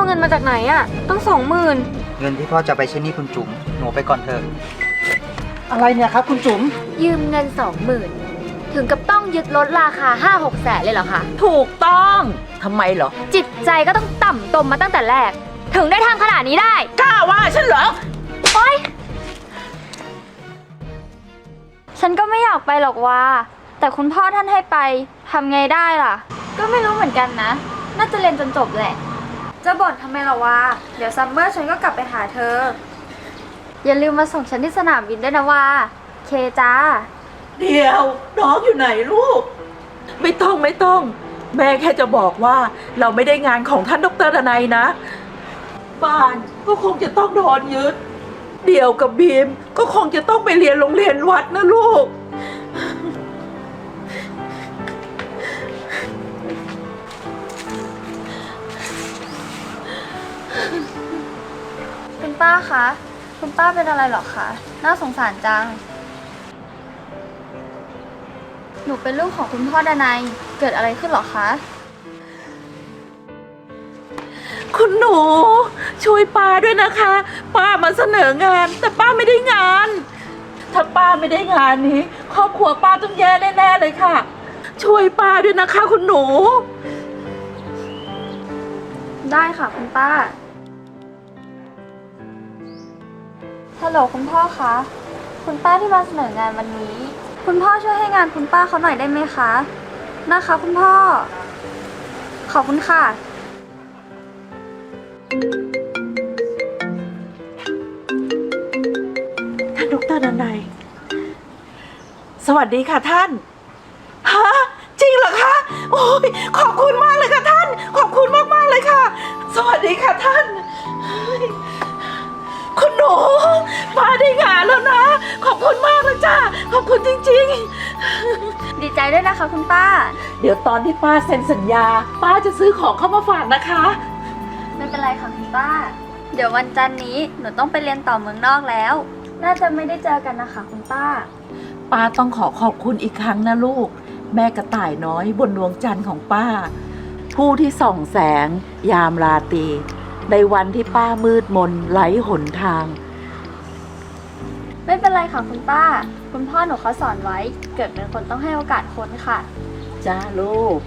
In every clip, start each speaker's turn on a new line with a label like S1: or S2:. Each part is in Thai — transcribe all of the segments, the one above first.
S1: เงินมาจากไหนอะตั้ง20,000
S2: เงินที่พ่อจะไปใช้หนี้คุณจุ๋มหนูไปก่อนเถอะอะไรเนี่ยครับคุณจุ๋ม
S1: ยืมเงิน20,000ถึงกับต้องยึดรถราคา5-6 แสนเลยเหรอคะ
S3: ถูกต้องทำไมเหรอ
S1: จิตใจก็ต้องต่ำตมมาตั้งแต่แรกถึงได้ทำขนาดนี้ได้
S3: กล้าว่าฉันเหรอ
S1: โอ๊ยฉันก็ไม่อยากไปหรอกว่าแต่คุณพ่อท่านให้ไปทำไงได้ล่ะก็ไม่รู้เหมือนกันนะน่าจะเรียนจนจบแหละจะบ่นทำไมล่ะวะเดี๋ยวซัมเมอร์ฉันก็กลับไปหาเธออย่าลืมมาส่งฉันที่สนามบินด้วยนะว่าเคจ้า
S3: เดี๋ยวน้องอยู่ไหนลูกไม่ต้องแม่แค่จะบอกว่าเราไม่ได้งานของท่านดร.ดนัยนะบ้านก็คงจะต้องโดนยึดเดี่ยวกับบีมก็คงจะต้องไปเรียนโรงเรียนวัดนะลูก
S1: คุณป้าคะคุณป้าเป็นอะไรหรอคะน่าสงสารจังหนูเป็นลูกของคุณพ่อดนัยเกิดอะไรขึ้นหรอคะ
S3: คุณหนูช่วยป้าด้วยนะคะป้ามาเสนองานแต่ป้าไม่ได้งานถ้าป้าไม่ได้งานนี้ครอบครัวป้าต้องแย่แน่ๆเลยค่ะช่วยป้าด้วยนะคะคุณหนู
S1: ได้ค่ะคุณป้าฮัลโหลคุณพ่อคะคุณป้าที่มาเสนองานวันนี้คุณพ่อช่วยให้งานคุณป้าเขาหน่อยได้ไหมคะนะคะคุณพ่อขอบคุณค่ะ
S3: ท่านดร.ดนัยสวัสดีค่ะท่านฮะจริงเหรอคะโอ้ยขอบคุณมากเลยค่ะท่านขอบคุณมากๆเลยค่ะสวัสดีค่ะท่านคุณหนูป้าได้งานแล้วนะขอบคุณมากเลยจ้าขอบคุณจริง
S1: ดีใจด้วยนะคะคุณป้า
S3: เดี๋ยวตอนที่ป้าเซ็นสัญญาป้าจะซื้อของเข้ามาฝากนะคะ
S1: ไม่เป็นไรค่ะคุณป้าเดี๋ยววันจันทร์นี้หนูต้องไปเรียนต่อเมืองนอกแล้วน่าจะไม่ได้เจอกันนะคะคุณป้า
S3: ป้าต้องขอบคุณอีกครั้งนะลูกแม่กระต่ายน้อยบนดวงจันทร์ของป้าผู้ที่ส่องแสงยามราตรีในวันที่ป้ามืดมนไร้หนทาง
S1: ไม่เป็นไรค่ะคุณป้าคุณพ่อหนูเขาสอนไว้เกิดเป็นคนต้องให้โอกาสคนค่ะ
S3: จ้าลูก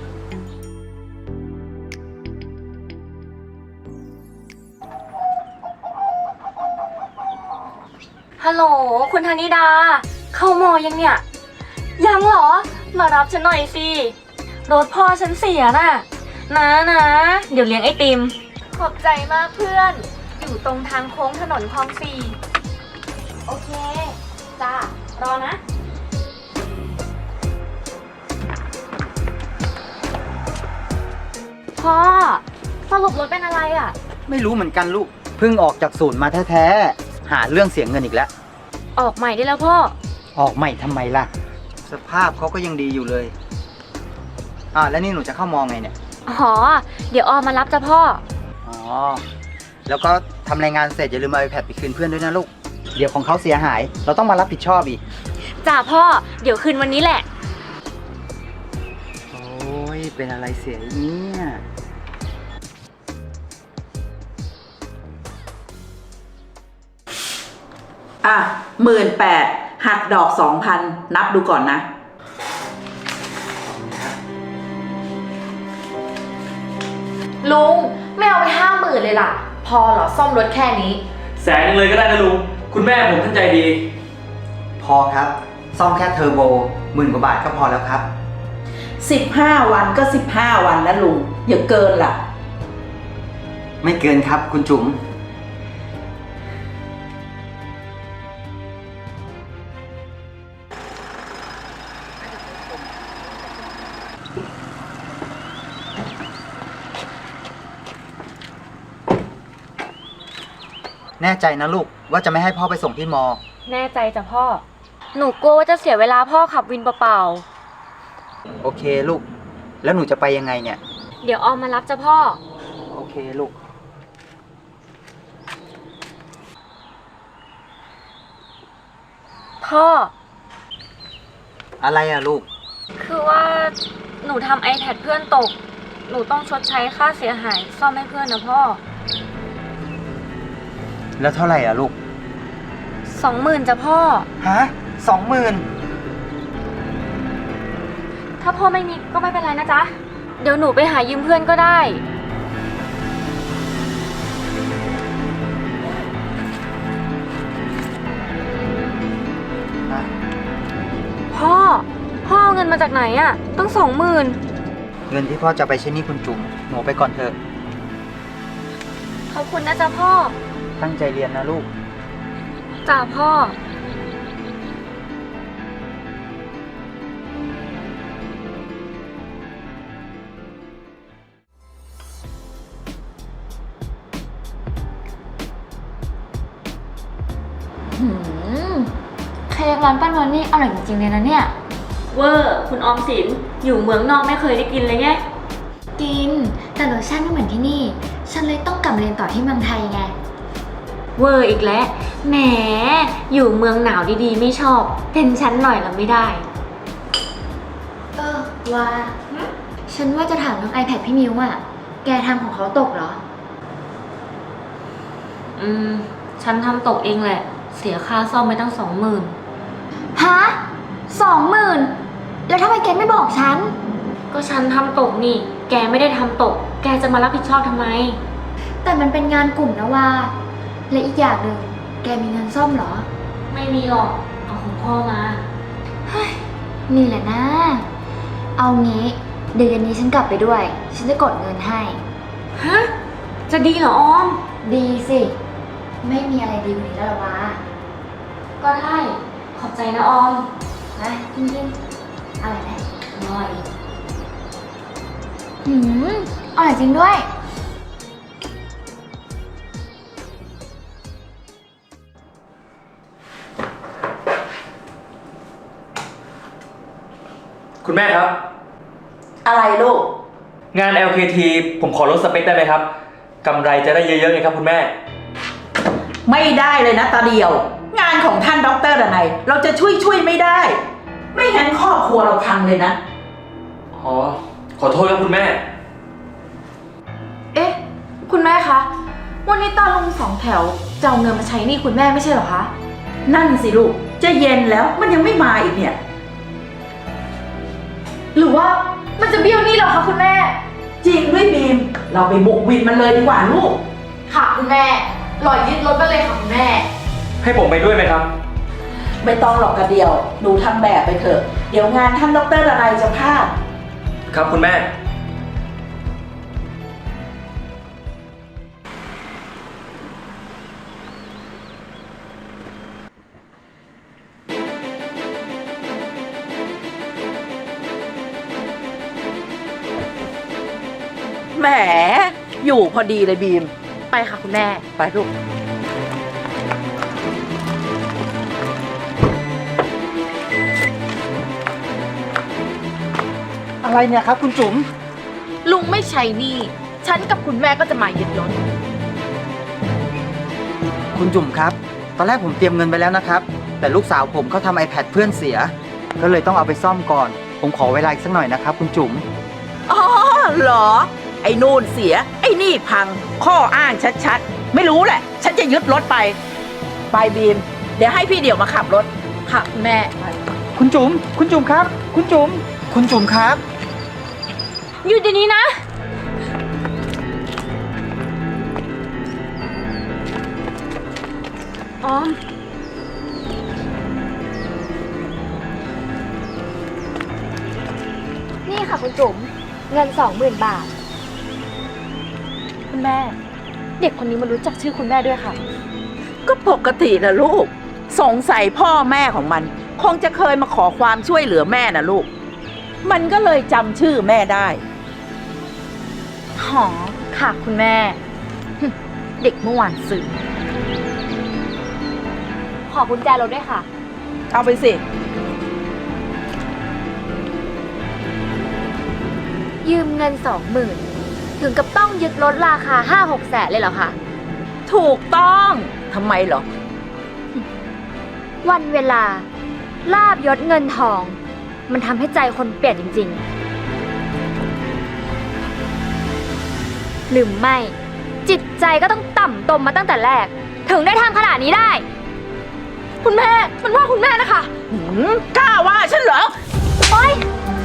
S1: ฮัลโหลคุณธนิดาเข้ามอยังเนี่ยยังเหรอมารับฉันหน่อยสิรถพ่อฉันเสียน่ะนะเดี๋ยวเลี้ยงไอติมขอบใจมากเพื่อนอยู่ตรงทางโค้งถนนคลอง4โอเคจ้ารอนะพ่อสรุปรถเป็นอะไรอ่ะ
S2: ไม่รู้เหมือนกันลูกเพิ่งออกจากศูนย์มาแท้ๆหาเรื่องเสียเงินอีกแล้ว
S1: ออกใหม่ได้แล้วพ่อ
S2: ออกใหม่ทำไมล่ะสภาพเขาก็ยังดีอยู่เลยแล้วนี่หนูจะเข้ามองไงเนี่ย
S1: อ๋อเดี๋ยวออมมารับจ้ะพ่อ
S2: อ๋อแล้วก็ทำรายงานเสร็จอย่าลืมเอา iPad ไปคืนเพื่อนด้วยนะลูกเดี๋ยวของเขาเสียหายเราต้องมารับผิดชอบอีก
S1: จ้าพ่อเดี๋ยวคืนวันนี้แหละ
S2: โอ้ยเป็นอะไรเสียเนี่ย
S3: 18,000หักดอก 2,000 นับดูก่อนนะ
S1: ลุงไม่เอาไป50,000เลยล่ะพอเหรอซ่อมรถแค่นี้
S4: 100,000เลยก็ได้นะลุงคุณแม่ผมท่านใจดี
S2: พอครับซ่อมแค่เทอร์โบ10,000 กว่าบาทก็พอแล้วครับ
S3: 15 วันก็15 วันนะลุงอย่าเกินล่ะ
S2: ไม่เกินครับคุณจุ๋มแน่ใจนะลูกว่าจะไม่ให้พ่อไปส่งที่มอ
S1: แน่ใจจ้ะพ่อหนูกลัวว่าจะเสียเวลาพ่อขับวินเปล่า
S2: โอเคลูกแล้วหนูจะไปยังไงเนี่ย
S1: เดี๋ยวออมมารับจ้ะพ่อ
S2: โอเคลูก
S1: พ่อ
S2: อะไรอะลูก
S1: คือว่าหนูทำ iPad เพื่อนตกหนูต้องชดใช้ค่าเสียหายซ่อมให้เพื่อนนะพ่อ
S2: แล้วเท่าไหร่อ่ะลูก
S1: 20,000จ้ะพ่อ
S2: ฮะ20,000
S1: ถ้าพ่อไม่มีก็ไม่เป็นไรนะจ๊ะ เดี๋ยวหนูไปหายืมเพื่อนก็ได้ พ่อเอาเงินมาจากไหนอะตั้ง20,000
S2: เงินที่พ่อจะไปใช้หนี้คุณจุ๋มหนูไปก่อนเถอะ
S1: ขอบคุณนะจ๊ะพ่อ
S2: ตั้งใจเรียนนะลูก
S1: จ้าพ่อ
S5: เค้กร้านป้านวลนี่อร่อยจริงๆเลยนะเนี่ย
S1: เวอร์คุณออมสิน อยู่เมืองนอกไม่เคยได้กินเลยไง
S5: กิน แต่รสชาติไม่เหมือนที่นี่ ฉันเลยต้องกลับมาเรียนต่อที่เมืองไทยไง
S1: เวอร์อีกแล้ว แหม อยู่เมืองหนาวดีๆ ไม่ชอบ เป็นชั้นหน่อยละไม่ได้
S5: ว่า ฉันว่าจะถามเรื่อง iPad พี่มิวอะแกทำของเขาตกเหรอ
S1: ฉันทำตกเองแหละ เสียค่าซ่อมไปตั้ง20,000
S5: ฮะ20,000แล้วทำไมแกไม่บอกฉัน
S1: ก็ฉันทำตกนี่ แกไม่ได้ทำตก แกจะมารับผิดชอบทำไม
S5: แต่มันเป็นงานกลุ่มนะว่า และอีกอย่างหนึ่งแกมีเงินซ่อมเหรอ
S1: ไม่มีหรอก เอาของพ่อมา
S5: นี่แหละนะ เอางี้เดี๋ยวเย็นนี้ฉันกลับไปด้วย ฉันจะกดเงินให้
S1: ฮะ จะดีเหรอออม
S5: ดีสิ ไม่มีอะไรดีกว่านี้แล้วหรอวะ
S1: ก็ได้ ขอบใจนะออม
S5: นะกินๆอะไรนะ
S1: อร่อย
S5: อร่อยจริงด้วย
S4: คุณแม่ครับ
S3: อะไรลูก
S4: งาน LKT ผมขอลดสเปคได้ไหมครับกำไรจะได้เยอะๆไงครับคุณแม่
S3: ไม่ได้เลยนะตาเดียว งานของท่านดรดนัยเราจะช่วยไม่ได้ ไม่งั้นครอบครัวเราพังเลยนะ
S4: อ๋อ ขอโทษครับคุณแม่
S6: เอ๊ะ คุณแม่คะ วันนี้ตาลุง2 แถวจะเอาเงินมาใช้หนี้คุณแม่ไม่ใช่เหรอคะ
S3: นั่นสิลูก จะเย็นแล้วมันยังไม่มาอีกเนี่ย
S6: หรือว่ามันจะเบี้ยวหนี้เหรอคะคุณแม่
S3: จริงด้วยบีม เราไปบุกวินมันเลยดีกว่าลูก
S6: ค่ะคุณแม่รอยึดรถไปเลยค่ะคุณแม่
S4: ให้ผมไปด้วยไหมครับ
S3: ไม่ต้องหรอกกระเดียว หนูทำแบบไปเถอะ เดี๋ยวงานท่านดรดนัยจะพลาด
S4: ครับคุณแม่
S3: แหม อยู่พอดีเลยบีม
S6: ไปค่ะคุณแม่
S3: ไปลูก
S2: อะไรเนี่ยครับคุณจุ๋ม
S6: ลุงไม่ใช้หนี้ฉันกับคุณแม่ก็จะมายึดรถ
S2: คุณจุ๋มครับ ตอนแรกผมเตรียมเงินไปแล้วนะครับ แต่ลูกสาวผมเขาทำ iPad เพื่อนเสีย ก็เลยต้องเอาไปซ่อมก่อน ผมขอเวลาอีกสักหน่อยนะครับคุณจุ๋ม
S3: อ๋อเหรอ ไอ้นู่นเสีย ไอ้นี่พัง ข้ออ้างชัดๆ ไม่รู้แหละ ฉันจะยึดรถไป ไปบีม เดี๋ยวให้พี่เดี่ยวมาขับรถ
S6: ค่ะคุณแม่
S2: คุณจุ๋ม คุณจุ๋มครับ คุณจุ๋ม คุณจุ๋มครับ
S1: หยุดเดี๋ยวนี้นะ ออม
S5: นี่ค่ะคุณจุ๋ม เงิน 20,000 บาท
S6: คุณแม่ เด็กคนนี้มารู้จักชื่อคุณแม่ด้วยค่ะ
S3: ก็ปกตินะลูก สงสัยพ่อแม่ของมัน คงจะเคยมาขอความช่วยเหลือแม่นะลูก มันก็เลยจำชื่อแม่ได้
S6: หอ ค่ะคุณแม่ เด็กเมื่อวานซื้อ
S5: ขอกุญแจรถด้วยค่ะ
S3: เอาไปสิ
S5: ยืมเงิน 20,000 ถึงกับต้องยึดรถราคา 5-6 แสนเลยเหรอคะ
S3: ถูกต้องทำไมเหรอ
S5: วันเวลา ลาบยศเงินทอง มันทำให้ใจคนเปลี่ยนจริงๆ หรือไม่ จิตใจก็ต้องต่ำตมมาตั้งแต่แรกถึงได้ทำขนาดนี้ได้
S6: คุณแม่ มันว่าคุณแม่นะคะ
S3: กล้าว่าฉันเหรอ
S5: โอ๊ย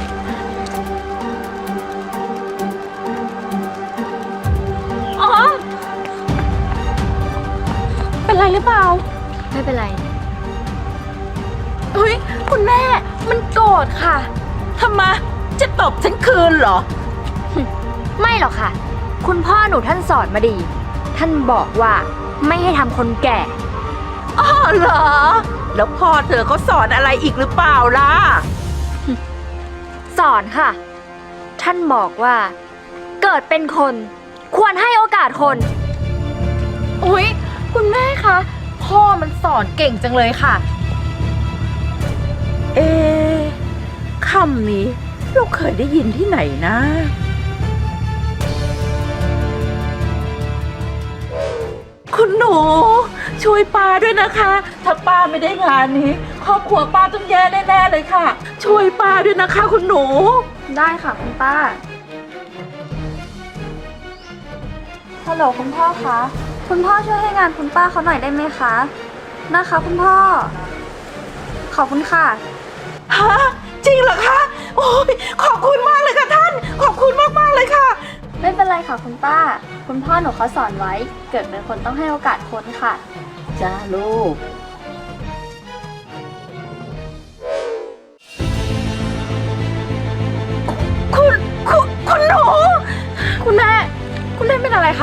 S6: ออม เป็นไรหรือเปล่า
S5: ไม่เป็นไร
S6: เฮ้ย คุณแม่ มันโกรธค่ะ
S3: ทำไม จะตบฉันคืนเหรอ
S5: ไม่หรอกค่ะ คุณพ่อหนูท่านสอนมาดี ท่านบอกว่าไม่ให้ทำคนแก่
S3: อ๋อเหรอ แล้วพ่อเธอเขาสอนอะไรอีกหรือเปล่าล่ะ
S5: สอนค่ะ ท่านบอกว่า เกิดเป็นคนควรให้โอกาสคน
S6: อุ๊ย คุณแม่คะ พ่อมันสอนเก่งจังเลยค่ะ
S3: เอ๊ะคำนี้เราเคยได้ยินที่ไหนนะ คุณหนู ช่วยป้าด้วยนะคะ ถ้าป้าไม่ได้งานนี้ ครอบครัวป้าต้องแย่แน่ๆเลยค่ะ ช่วยป้าด้วยนะคะคุณหนู
S1: ได้ค่ะคุณป้า ฮัลโหลคุณพ่อคะ คุณพ่อช่วยให้งานคุณป้าเขาหน่อยได้ไหมคะ นะคะคุณพ่อ ขอบคุณค่ะ
S3: ฮะ จริงเหรอคะ โอ้ยขอบคุณมากเลยค่ะท่าน ขอบคุณมากๆเลยค่ะ
S1: ไม่เป็นไรค่ะคุณป้า คุณพ่อหนูเขาสอนไว้ เกิดเป็นคนต้องให้โอกาสคนค่ะ
S3: จ้าลูก คุณหนู
S6: คุณแม่ คุณแม่เป็นอะไรคะ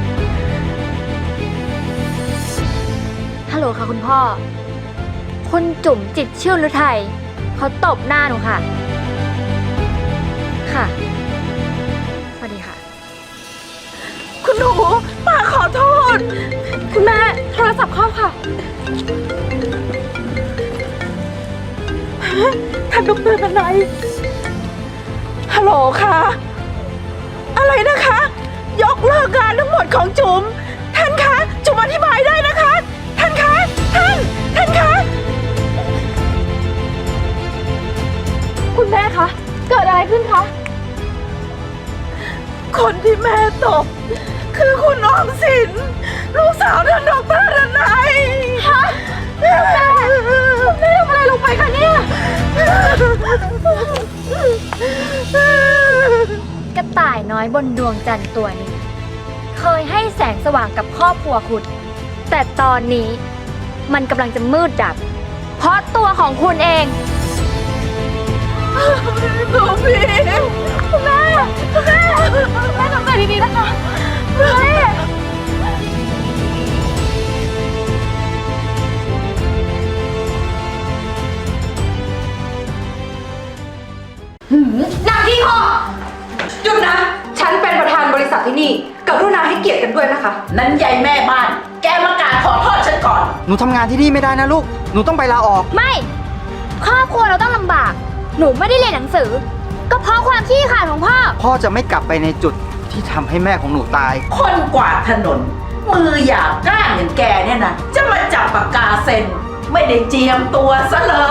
S5: ฮัลโหลค่ะคุณพ่อ คุณจุ๋มจิตรชื่นฤทัยเขาตบหน้าหนูค่ะ ค่ะ สวัสดีค่ะ
S3: คุณหนูป้าขอโทษ
S6: คุณแม่ โทรศัพท์เข้าค่ะ
S3: ท่านดรดนัยฮัลโหลค่ะ อะไรนะคะ ยกเลิกงานทั้งหมดของจุ๋ม ท่านคะ จุ๋มอธิบายได้นะคะ ท่านคะ ท่านคะ
S6: คุณแม่คะ เกิดอะไรขึ้นคะ
S3: คนที่แม่ตบ คือคุณออมสิน ลูกสาวท่านดรดนัยฮะแม่ทำอะไรลงไปคะเนี่ย
S5: กระต่ายน้อยบนดวงจันทร์ตัวนี้ เคยให้แสงสว่างกับครอบครัวคุณ แต่ตอนนี้มันกำลังจะมืดดับ เพราะตัวของคุณเอง
S3: ตัวพี่
S6: คุณแม่ทำใจดีๆนะคะแม่
S7: นางที่พ่อหยุดนะ ฉันเป็นประธานบริษัทที่นี่กรุณาให้เกียรติกันด้วยนะคะ
S3: นั้นยายแม่บ้าน แกมากราบขอโทษฉันก่อน
S2: หนูทำงานที่นี่ไม่ได้นะลูก หนูต้องไปลาออก
S5: ไม่ ครอบครัวเราต้องลำบาก หนูไม่ได้เรียนหนังสือ ก็เพราะความขี้ขลาดของพ่อ
S2: พ่อจะไม่กลับไปในจุดที่ทำให้แม่ของหนูตาย
S3: คนกวาดถนน มือหยาบกร้านอย่างแกเนี่ยนะ จะมาจับปากกาเซ็น ไม่ได้เจียมตัวซะเลย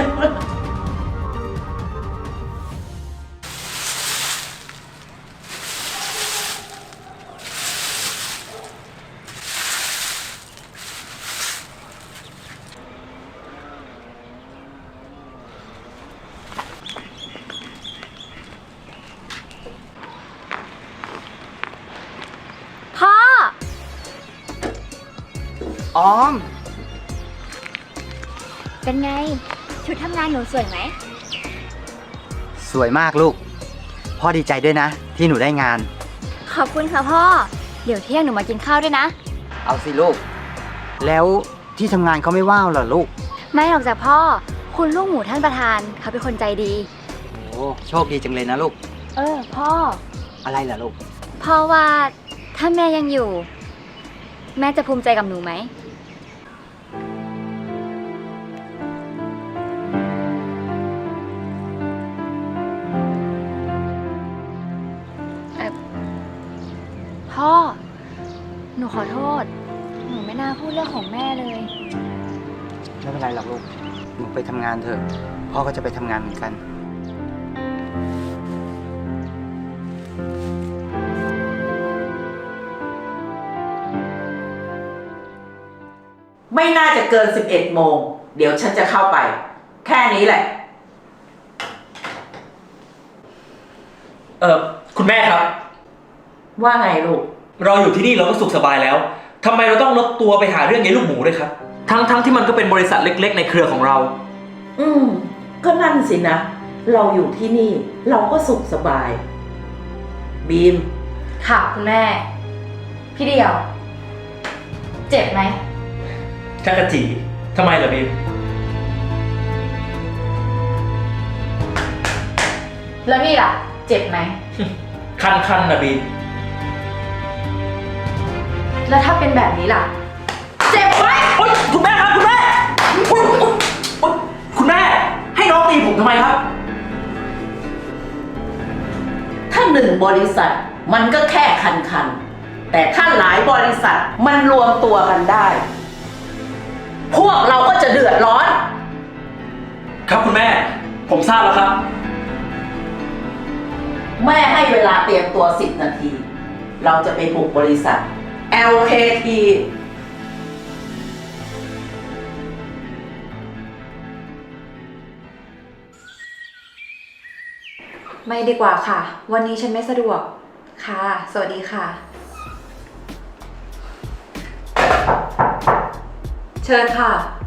S5: พ่อ
S2: ออม
S5: เป็นไง ชุดทำงานหนูสวยไหม
S2: สวยมากลูก พ่อดีใจด้วยนะ ที่หนูได้งาน
S5: ขอบคุณค่ะพ่อ เดี๋ยวเที่ยงหนูมากินข้าวด้วยนะ
S2: เอาสิลูก แล้วที่ทำงานเขาไม่ว่าวเหรอลูก
S5: ไม่หรอกจ้ะพ่อ คุณลูกหมูท่านประธานเขาเป็นคนใจดี
S2: โอ้โชคดีจังเลยนะลูก
S5: พ่อ
S2: อะไรล่ะลูก
S5: พ่อว่าถ้าแม่ยังอยู่ แม่จะภูมิใจกับหนูไหม พ่อ หนูขอโทษ หนูไม่น่าพูดเรื่องของแม่เลย
S2: ไม่เป็นไรหรอกลูก หนูไปทำงานเถอะ พ่อก็จะไปทำงานเหมือนกัน
S3: ไม่น่าจะเกิน 11 โมง เดี๋ยวฉันจะเข้าไป แค่นี้แหละ
S4: คุณแม่ครับ
S3: ว่าไงลูก
S4: เราอยู่ที่นี่เราก็สุขสบายแล้วทำไมเราต้องลดตัวไปหาเรื่องยายลูกหมูด้วยครับ ทั้งที่มันก็เป็นบริษัทเล็กๆ ในเครือของเรา
S3: ก็นั่นสินะ เราอยู่ที่นี่เราก็สุขสบาย บีม
S6: ค่ะคุณแม่ พี่เดียว เจ็บไหม
S4: จักรจีทำไมเหรอบีม
S6: แล้วนี่ล่ะ เจ็บไหม
S4: คันนะบีม
S6: แล้วถ้าเป็นแบบนี้ล่ะ เจ็บไหม
S4: โอ๊ยคุณแม่ครับคุณแม่โอ๊ยคุณแม่ ให้น้องตีผมทำไมครับ
S3: ถ้า1 บริษัทมันก็แค่คันๆ แต่ถ้าหลายบริษัทมันรวมตัวกันได้ พวกเราก็จะเดือดร้อน
S4: ครับคุณแม่ ผมทราบแล้วครับ
S3: แม่ให้เวลาเตรียมตัว 10 นาที เราจะไปบุกบริษัท LKT
S7: ไม่ดีกว่าค่ะ วันนี้ฉันไม่สะดวก ค่ะ สวัสดีค่ะ เชิญค่ะ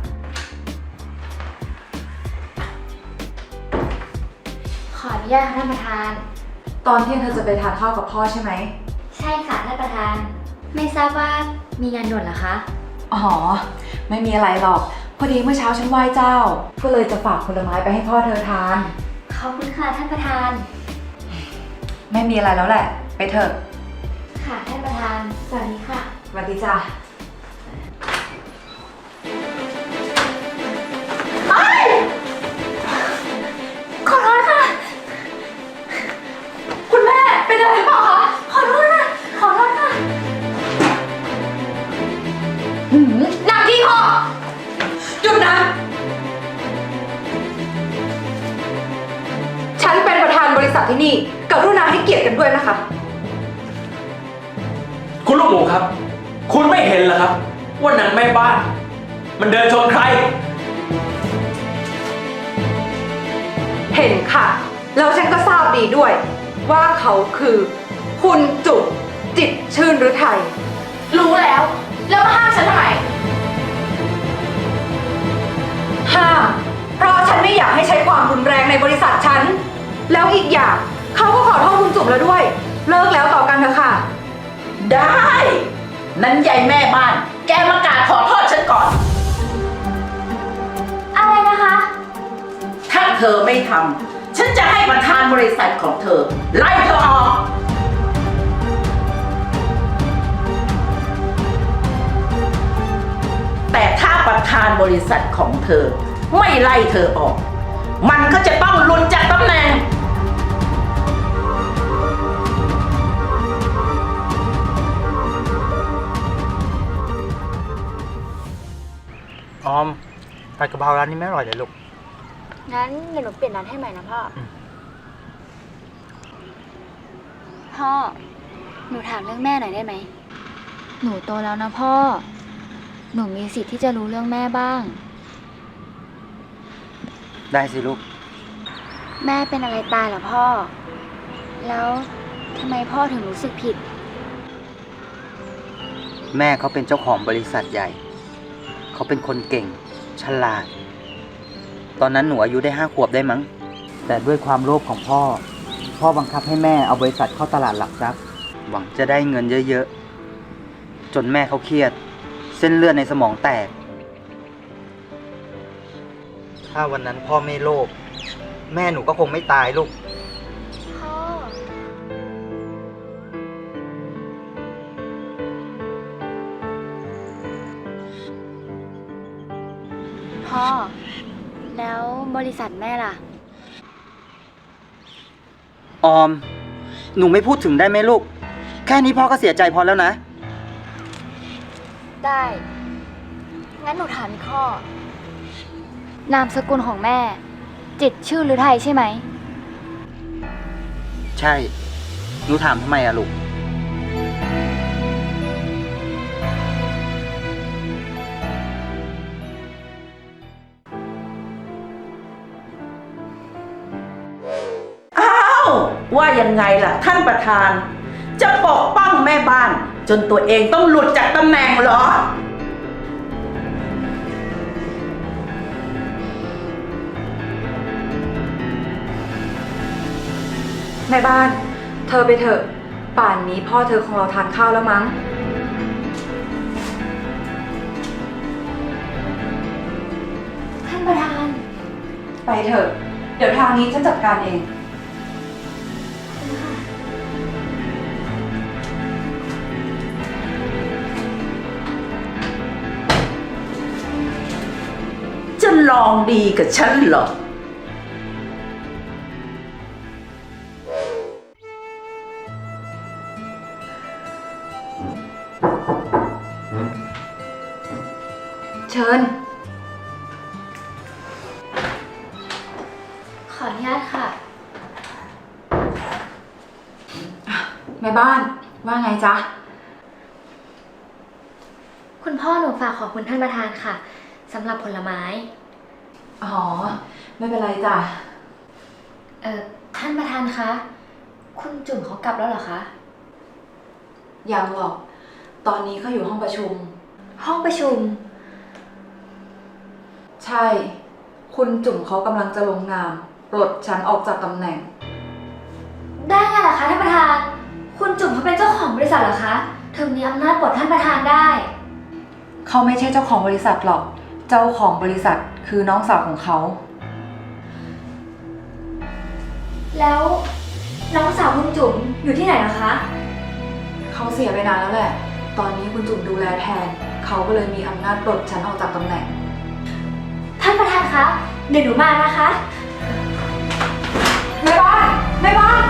S5: ขออนุญาตค่ะท่านประธาน
S7: ตอนเที่ยงเธอจะไปทานข้าวกับพ่อใช่ไหม
S5: ใช่ค่ะท่านประธาน ไม่ทราบว่ามีงานด่วนเหรอคะ
S7: อ๋อ ไม่มีอะไรหรอก พอดีเมื่อเช้าฉันไหว้เจ้า ก็เลยจะฝากผลไม้ไปให้พ่อเธอทาน
S5: ขอบคุณค่ะท่านประธาน
S7: ไม่มีอะไรแล้วแหละ ไปเถอะ
S5: ค่ะท่านประธาน สวัสดีค่ะ
S7: สวัสดีจ้ะ
S5: ขอโทษค่ะ คุณแม่เป็นอะไรหรือเปล่าคะ ขอโทษค่ะ ขอโทษค่ะ
S7: หนักที่พ่อ หยุดนะ ฉันเป็นประธานบริษัทที่นี่กรุณาให้เกียรติกันด้วยนะคะ
S4: คุณลูกหมูครับ คุณไม่เห็นเหรอครับว่านางแม่บ้าน มันเดินชนใคร
S7: เห็นค่ะ แล้วฉันก็ทราบดีด้วย ว่าเขาคือคุณจุกจิตรชื่นฤทัย
S6: รู้แล้ว แล้วมาห้ามฉันทำไม
S7: ห้ามเพราะฉันไม่อยากให้ใช้ความรุนแรงในบริษัทฉัน แล้วอีกอย่างเขาก็ขอโทษคุณจุ๋มแล้วด้วย เลิกแล้วต่อกันเถอะค่ะ
S3: ได้ นั้นยายแม่บ้าน แกมากราบขอโทษฉันก่อน
S5: อะไรนะคะ
S3: ถ้าเธอไม่ทำ ฉันจะให้ประธานบริษัทของเธอ ไล่เธอออก แต่ถ้าประธานบริษัทของเธอ ไม่ไล่เธอออก มันก็จะต้องหลุดจากตำแหน่ง
S2: ออมผัดกะเพราร้านนี้ไม่อร่อยเลยลูก
S5: งั้นเดี๋ยวหนูเปลี่ยนร้านให้ใหม่นะพ่อ พ่อ หนูถามเรื่องแม่หน่อยได้ไหม หนูโตแล้วนะพ่อ หนูมีสิทธิ์ที่จะรู้เรื่องแม่บ้าง
S2: ได้สิลูก
S5: แม่เป็นอะไรตายเหรอพ่อ แล้วทำไมพ่อถึงรู้สึกผิด
S2: แม่เขาเป็นเจ้าของบริษัทใหญ่ เขาเป็นคนเก่ง ฉลาด ตอนนั้นหนูอายุได้5 ขวบได้มั้ง แต่ด้วยความโลภของพ่อ พ่อบังคับให้แม่เอาบริษัทเข้าตลาดหลักทรัพย์ หวังจะได้เงินเยอะๆ จนแม่เขาเครียด เส้นเลือดในสมองแตก ถ้าวันนั้นพ่อไม่โลภ แม่หนูก็คงไม่ตายลูก
S5: พ่อ พ่อ แล้วบริษัทแม่ล่ะ
S2: ออม หนูไม่พูดถึงได้ไหมลูก แค่นี้พ่อก็เสียใจพอแล้วนะ
S5: ได้ งั้นหนูถามอีกข้อ นามสกุลของแม่ จิตรชื่อฤทัยใช่ไหม
S2: ใช่ หนูถามทำไมอะลูก
S3: ว่ายังไงล่ะท่านประธาน จะปกป้องแม่บ้าน จนตัวเองต้องหลุดจากตำแหน่งเหรอ
S7: แม่บ้าน เธอไปเถอะ ป่านนี้พ่อเธอคงรอทานข้าวแล้วมั้ง
S5: ท่านประธาน
S7: ไปเถอะ เดี๋ยวทางนี้ฉันจัดการเอง
S3: จะลองดีกับฉันเหรอ
S7: เชิญ
S5: ขออนุญาตค่ะ
S7: แม่บ้านว่าไงจ๊ะ
S5: คุณพ่อหนูฝากขอบคุณท่านประธานค่ะสำหรับผลไม้
S7: อ๋อ ไม่เป็นไรจ้ะ
S5: ท่านประธานคะ คุณจุ๋มเขากลับแล้วเหรอคะ
S7: ยังหรอก ตอนนี้เขาอยู่ห้องประชุม
S5: ห้องประชุม
S7: ใช่ คุณจุ๋มเขากำลังจะลงนามปลดฉันออกจากตำแหน่ง
S5: ได้ไงล่ะคะท่านประธาน คุณจุ๋มเขาเป็นเจ้าของบริษัทเหรอคะถึงมีอำนาจปลดท่านประธานได้
S7: เขาไม่ใช่เจ้าของบริษัทหรอก เจ้าของบริษัทคือน้องสาวของเขา
S5: แล้วน้องสาวคุณจุ๋มอยู่ที่ไหนล่ะคะ
S7: เขาเสียไปนานแล้วแหละ ตอนนี้คุณจุ๋มดูแลแทน เขาก็เลยมีอำนาจปลดฉันออกจากตำแหน่ง
S5: ท่านประธานคะ เดี๋ยวหนูมานะคะ
S7: แม่บ้าน แม่บ้าน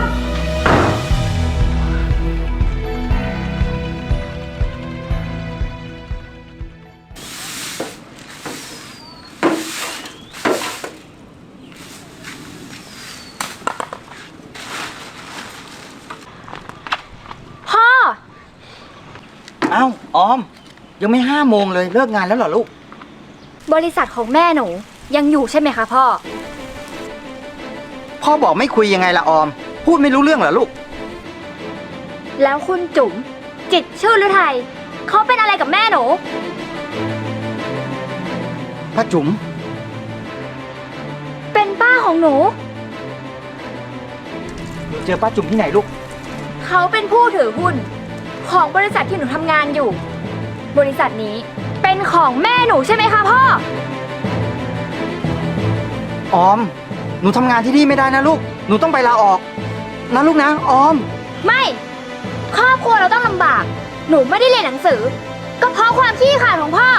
S5: พ่อ
S2: เอ้าออม ยังไม่5 โมงเลยเลิกงานแล้วเหรอลูก
S5: บริษัทของแม่หนูยังอยู่ใช่ไหมคะพ่อ
S2: พ่อบอกไม่คุยยังไงละออม พูดไม่รู้เรื่องเหรอลูก
S5: แล้วคุณจุ๋มจิตรชื่อฤทัยเขาเป็นอะไรกับแม่หนู
S2: ป้าจุ๋ม
S5: เป็นป้าของหนู
S2: เจอป้าจุ๋มที่ไหนลูก
S5: เขาเป็นผู้ถือหุ้นของบริษัทที่หนูทำงานอยู่ บริษัทนี้เป็นของแม่หนูใช่ไหมคะพ่อ
S2: ออม หนูทำงานที่นี่ไม่ได้นะลูก หนูต้องไปลาออกนะลูกนะออม
S5: ไม่ ครอบครัวเราต้องลำบาก หนูไม่ได้เรียนหนังสือ ก็เพราะความขี้ขลาดของพ่อ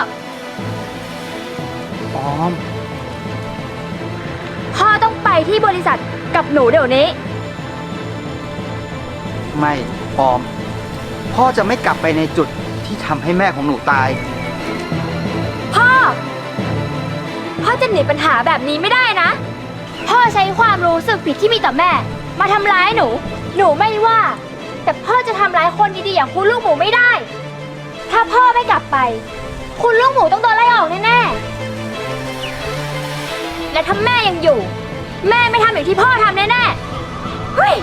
S2: ออม
S5: พ่อต้องไปที่บริษัทกับหนูเดี๋ยวนี้
S2: ไม่ออม พ่อจะไม่กลับไปในจุดที่ทำให้แม่ของหนูตาย
S5: พ่อ พ่อจะหนีปัญหาแบบนี้ไม่ได้นะ พ่อใช้ความรู้สึกผิดที่มีต่อแม่ มาทำร้ายหนู หนูไม่ว่า แต่พ่อจะทำร้ายคนดีๆอย่างคุณลูกหมูไม่ได้ ถ้าพ่อไม่กลับไป คุณลูกหมูต้องโดนไล่ออกแน่ๆ และถ้าแม่ยังอยู่ แม่ไม่ทำอย่างที่พ่อทำแน่ๆ เฮ้ย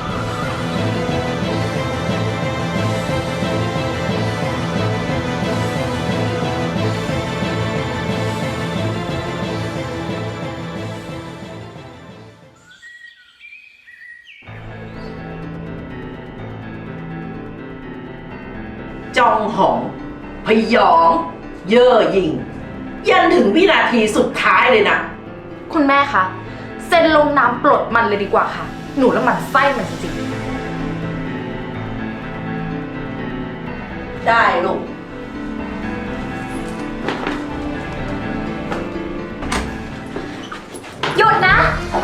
S3: จองหอง พยอง เย่อหยิ่ง ยันถึงวินาทีสุดท้ายเลยนะ
S6: คุณแม่คะ เซ็นลงนามปลดมันเลยดีกว่าค่ะ หนูแล้วมันไส้มันจริง
S3: ได้ลูก
S5: หยุดนะ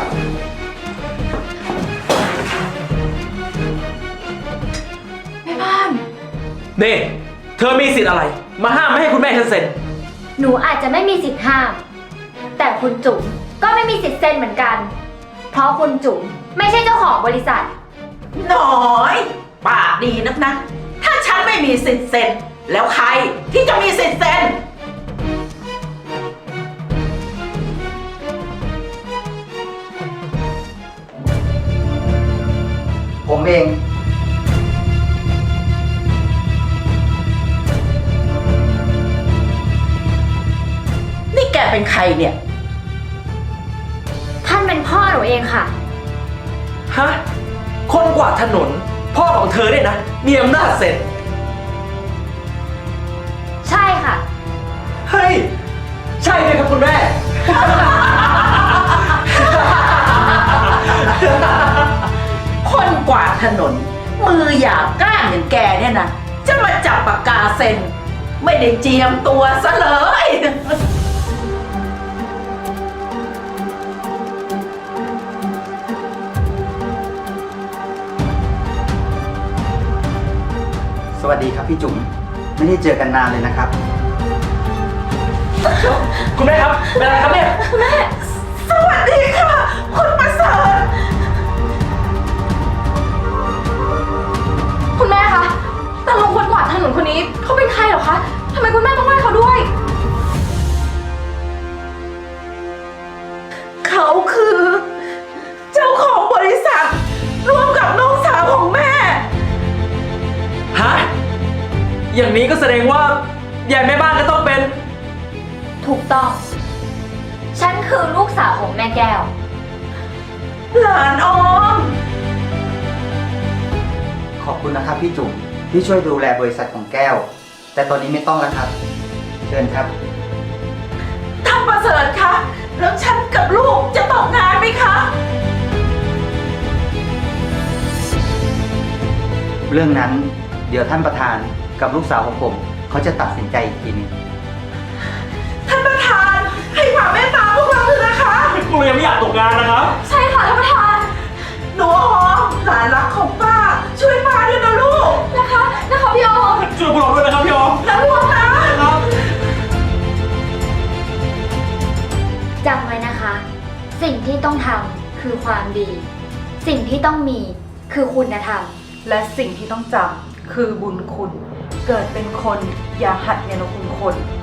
S6: แม่บ้าน
S4: นี่ เธอมีสิทธิ์อะไร มาห้ามไม่ให้คุณแม่ฉันเซ็น
S5: หนูอาจจะไม่มีสิทธิ์ห้าม แต่คุณจุ๋มก็ไม่มีสิทธิ์เซ็นเหมือนกัน เพราะคุณจุ๋มไม่ใช่เจ้าของบริษัท
S3: น้อย ปากดีนักนะ ถ้าฉันไม่มีสิทธิ์เซ็น แล้วใครที่จะมีสิทธิ์เซ็น
S2: ผมเอง
S3: นี่แกเป็นใครเนี่ย
S5: ท่านเป็นพ่อหนูเองค่ะ
S4: ฮะ คนกวาดถนน พ่อของเธอเนี่ยนะ มีอำนาจเสร็จ
S5: ใช่ค่ะ
S4: เฮ้ย ใช่เลยครับคุณแม่
S3: คนกวาดถนน มือหยาบกร้านอย่างแกเนี่ยนะ จะมาจับปากกาเซ็น ไม่ได้เจียมตัวซะเลย
S2: สวัสดีครับพี่จุ๋ม ไม่ได้เจอกันนานเลยนะครับ
S4: คุณแม่ครับ เป็นอะไรครับเนี่ย
S3: สวัสดีค่ะ คุณประเสริฐ
S1: คุณแม่คะแต่ลุงคนกวาดถนนคนนี้เขาเป็นใครเหรอคะทำไมคุณแม่ต้องไหว้เขาด้วย
S3: เขาคือ เจ้าของบริษัท ร่วมกับน้องสาวของแม่
S4: ฮะ อย่างนี้ก็แสดงว่ายายแม่บ้านก็ต้องเป็น
S5: ถูกต้อง ฉันคือลูกสาวของแม่แก้ว
S3: หลานออม
S2: ขอบคุณนะครับพี่จุ๋มที่ช่วยดูแลบริษัทของแก้ว แต่ตอนนี้ไม่ต้องแล้วครับ เชิญครับ
S3: ท่านประเสริฐคะ แล้วฉันกับลูกจะตกงานไหมคะ
S2: เรื่องนั้นเดี๋ยวท่านประธานกับลูกสาวของผม เขาจะตัดสินใจอีกทีหนึง
S3: ท่านประธานให้ความเมตตาพวกเราเถอะนะคะ
S4: กูยังไม่อยากตกงานนะครับ
S1: ใช่ค่ะท่านประธาน
S3: หนูออมหลานรักของป้า ช่วยป้าด้วยนะลูก
S1: นะคะพี่ออม
S4: ช่วยพวกเราด้วยนะครับพี่ออม
S3: นะลูกนะ
S4: ครับ
S5: จำไว้นะคะ สิ่งที่ต้องทำคือความดี สิ่งที่ต้องมีคือคุณธรรม
S7: และสิ่งที่ต้องจำคือบุญคุณ เกิดเป็นคนอย่าหัดเนรคุณคน